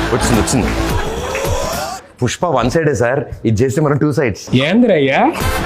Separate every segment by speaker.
Speaker 1: వచ్చింది పుష్ప 1 సైడే సార్, ఇది చేస్తే మనం 2 sides.
Speaker 2: ఏంద్రయ్యా?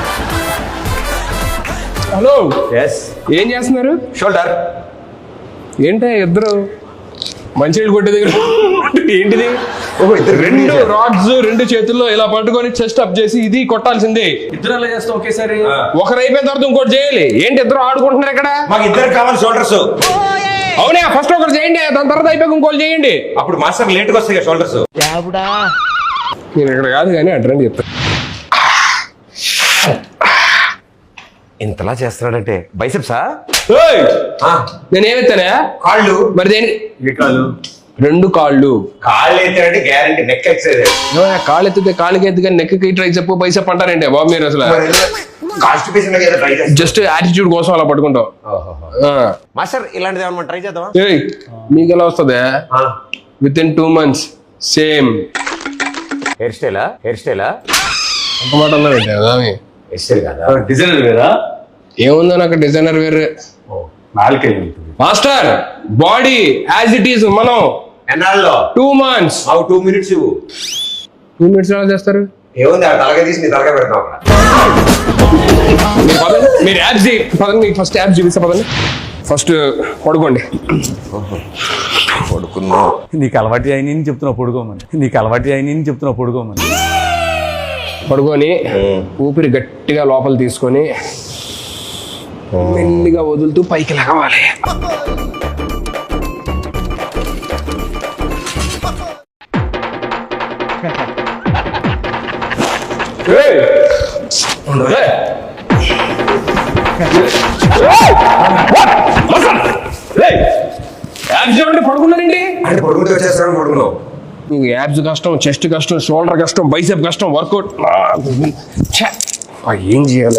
Speaker 2: హలో, ఏం చేస్తున్నారు?
Speaker 1: షోల్డర్.
Speaker 2: ఏంటో ఇద్దరు మంచినీళ్ళు కొట్టే దగ్గర ఏంటిది?
Speaker 1: రెండు
Speaker 2: రాడ్స్ 2 చేతుల్లో ఇలా పట్టుకొని చెస్ట్ అప్ చేసి ఇది కొట్టాల్సిందే.
Speaker 3: ఇద్దరు అలా చేస్తాం ఒకేసారి.
Speaker 2: ఒకరు అయిపోయిన తర్వాత ఇంకోటి చేయాలి. ఏంటి ఇద్దరు ఆడుకుంటున్నారు ఇక్కడ?
Speaker 1: మాకు ఇద్దరు కావాలి షోల్డర్స్.
Speaker 2: అవునా, ఫస్ట్ ఒకరు చేయండి, దాని తర్వాత అయిపోయి ఇంకోటి చేయండి.
Speaker 1: అప్పుడు మాస్టర్ లేట్గా వస్తాయి షోల్డర్స్.
Speaker 2: నేను ఇక్కడ కాదు కానీ అడ్రండి చెప్తా.
Speaker 1: ఇంతలా చేస్తున్నాడంటే బైసెప్సా?
Speaker 2: నేనేమెత్తానా?
Speaker 1: కాళ్ళు.
Speaker 2: మరి దేని? 2 కాళ్ళు.
Speaker 1: కాళ్ళు ఎత్తాడంటే గ్యారంటీ నెక్ ఎక్సైజ్.
Speaker 2: కాళ్ళు ఎత్తితే కాళ్ళకి ఎత్తి కానీ నెక్కి ట్రై చెప్పు బైసెప్ అంటారంటే బాబు మీరు అసలు జస్ట్ యాటిట్యూడ్ కోసం అలా పట్టుకుంటాం.
Speaker 1: మాస్టర్ ఇలాంటిది ఏమన్నా ట్రై చేద్దామా?
Speaker 2: మీకు ఎలా వస్తుంది? With in 2 months same
Speaker 1: hair స్టైలా?
Speaker 2: ఒక మాట అన్నారంటే కదా
Speaker 1: హెయిర్ స్టైల్ కదా,
Speaker 3: డిజైనర్ వేరా?
Speaker 2: ఏముందో నాకు డిజైనర్ వేరే. Master body as it is మనం
Speaker 1: ఎన్నాళ్ళలో
Speaker 2: 2 months
Speaker 1: 2 minutes ఇవ్వు.
Speaker 2: 2 minutes ఎలా చేస్తారు?
Speaker 1: ఏముంది తలగా తీసి నీ తలగా పెడతాం.
Speaker 2: మీరు యాప్స్ పదండి, మీకు ఫస్ట్ యాప్స్ చూపిస్తా పదండి. ఫస్ట్ పడుకోండి.
Speaker 1: పడుకున్నా.
Speaker 3: నీకు అలవాటు అయిన చెప్తున్నావు పడుకోమని.
Speaker 2: పడుకొని ఊపిరి గట్టిగా లోపల తీసుకొని మెల్లిగా వదులుతూ పైకి లగవాలి. పడుకున్నారండి
Speaker 1: అంటే పడుకుంటే వచ్చేస్తాను. పడుకున్నావు.
Speaker 2: మీకు యాబ్స్ కష్టం, చెస్ట్ కష్టం, షోల్డర్ కష్టం, బైసెప్ కష్టం, వర్కౌట్ ఏం చేయాలి?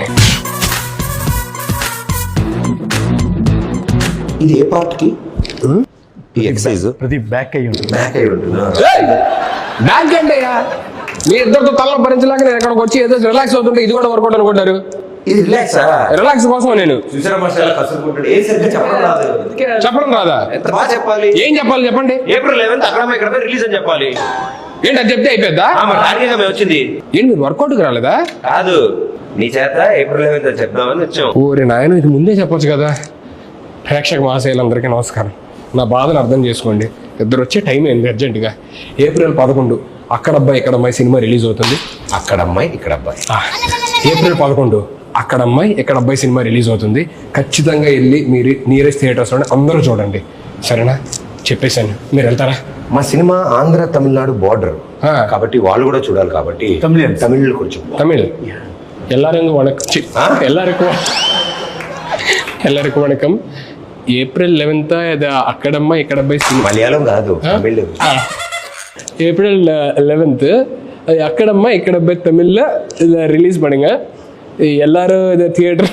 Speaker 1: ఇది ఏ పార్ట్ కి? ఈ ఎక్సర్సైజ్
Speaker 3: ప్రతి బ్యాక్ అయ్యి ఉంటుంది.
Speaker 1: బ్యాక్ అయి ఉంటుంది.
Speaker 2: బ్యాక్ అంటే మీ ఇద్దరితో తల భరించలేక నేను ఎక్కడికి వచ్చి ఏదో రిలాక్స్ అవుతుంటే ఇది కూడా వర్కౌట్ అనుకుంటారు.
Speaker 1: ఇది
Speaker 2: రిలాక్స్ కోసం నేను
Speaker 1: చూసారా మాస్టర్ కసురుకుంటాడు. ఏ సరిగ్గా
Speaker 2: చెప్పడం రాదా?
Speaker 1: ఎంత బాగా చెప్పాలి.
Speaker 2: ఏం చెప్పాలి చెప్పండి.
Speaker 1: April 11th అక్కడ రిలీజ్ అని చెప్పాలి.
Speaker 2: ఏంటి అది చెప్తే అయిపోద్దా?
Speaker 1: వచ్చింది.
Speaker 2: ఏంటి మీరు వర్కౌట్కి రాలేదా?
Speaker 1: కాదు, నీ చేత April 11th అని చెప్దామని వచ్చాం.
Speaker 2: ఓరే నాయన, ఇది ముందే చెప్పొచ్చు కదా. ప్రేక్షక మహాశయులందరికీ నమస్కారం. నా బాధను అర్థం చేసుకోండి. ఇద్దరు వచ్చే టైం ఏంది అర్జెంటుగా. April 11 అక్కడ అబ్బాయి ఇక్కడ అమ్మాయి సినిమా రిలీజ్ అవుతుంది.
Speaker 1: అక్కడ అమ్మాయి ఇక్కడ అబ్బాయి.
Speaker 2: April 11 అక్కడ అమ్మాయి ఇక్కడ అబ్బాయి సినిమా రిలీజ్ అవుతుంది. ఖచ్చితంగా వెళ్ళి మీరు నియరెస్ట్ థియేటర్స్లోనే అందరూ చూడండి, సరేనా? చెప్పేశాను. మీరు వెళ్తారా?
Speaker 1: మా సినిమా ఆంధ్ర తమిళనాడు బార్డర్ కాబట్టి వాళ్ళు కూడా చూడాలి. కాబట్టి తమిళ్ కొంచెం
Speaker 2: తమిళ్ எல்லாருக்கும் வணக்கம். April 11th இது அக்கடம்மா இக்கடப்பை
Speaker 1: మలయాళం కాదు, తమిళ్.
Speaker 2: April 11th அக்கடம்மா இக்கடப்பை தமிழ்ல இதை ரிலீஸ் பண்ணுங்க. எல்லாரும் இதை தியேட்டர்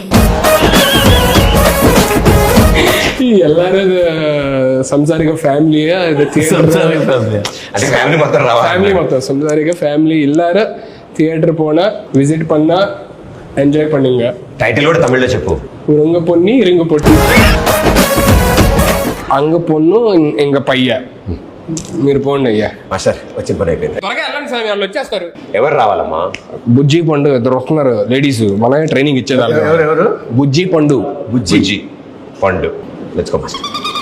Speaker 2: எல்லாரும் இது సంసారిక ఫ్యామిలీయా ఇది ఫ్యామిలీ మొత్తం సంసారిక ఫ్యామిలీ எல்லாரும் தியேட்டர் போனா விசிட் பண்ணா ఎంజాయ్ பண்ணுங்க.
Speaker 1: టైటిల్ కూడా తమిళ్లో చెప్పు.
Speaker 2: உருங்க பொண்ணி இருங்க பொட்டி అంగ పొన్ను ఇంక పయ్య. మీరు పోండి అయ్యా.
Speaker 1: మాస్టర్ వచ్చిన పని అయిపోయింది.
Speaker 2: త్వరగా వెళ్ళండి సార్, వాళ్ళు వచ్చేస్తారు.
Speaker 1: ఎవరు రావాలమ్మా?
Speaker 2: బుజ్జి పండు ఇద్దరు వస్తున్నారు లేడీస్. మనమే ట్రైనింగ్ ఇచ్చేదాన్ని.
Speaker 1: ఎవరు?
Speaker 2: బుజ్జి పండు.
Speaker 1: బుజ్జి పండు. Let's go master.